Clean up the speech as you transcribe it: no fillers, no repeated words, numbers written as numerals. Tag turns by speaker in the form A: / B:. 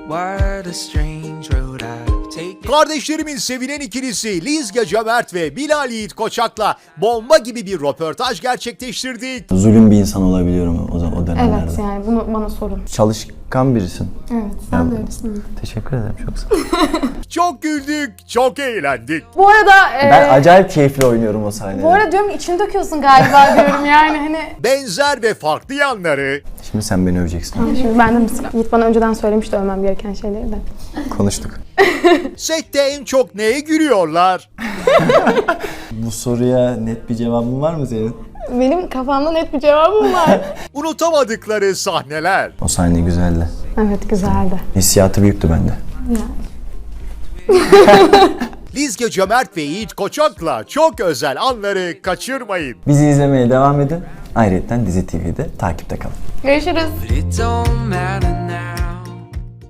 A: What a strange road I've taken.
B: Kardeşlerimin sevilen ikilisi Lizge Cömert ve Bilal Yiğit Koçak'la bomba gibi bir röportaj gerçekleştirdik.
C: Zulüm bir insan olabiliyorum o dönemlerde.
D: Evet, yani bunu bana sorun.
C: Çalışkan birisin.
D: Evet, sen de öylesin.
C: Teşekkür ederim, çok sağ ol.
B: Çok güldük, çok eğlendik.
D: Bu arada...
C: Ben acayip keyifli oynuyorum o sahnede.
D: Bu arada diyorum içini döküyorsun galiba diyorum yani hani.
B: Benzer ve farklı yanları,
C: Şimdi sen beni öveceksin.
D: Şimdi bende mi sıra? Yiğit bana önceden söylemişti övmem gereken şeyleri de.
C: Konuştuk.
B: sette en çok neye gülüyorlar?
C: Bu soruya net bir cevabın var mı senin?
D: Benim kafamda net bir cevabım var.
B: Unutamadıkları sahneler.
C: O sahne güzeldi.
D: Evet, güzeldi.
C: Hissiyatı büyüktü bende.
B: Lizge Cömert ve Yiğit Koçak'la çok özel anları kaçırmayın.
C: Bizi izlemeye devam edin. Ayrıca Dizi TV'de takipte kalın.
D: Görüşürüz.
A: But it don't matter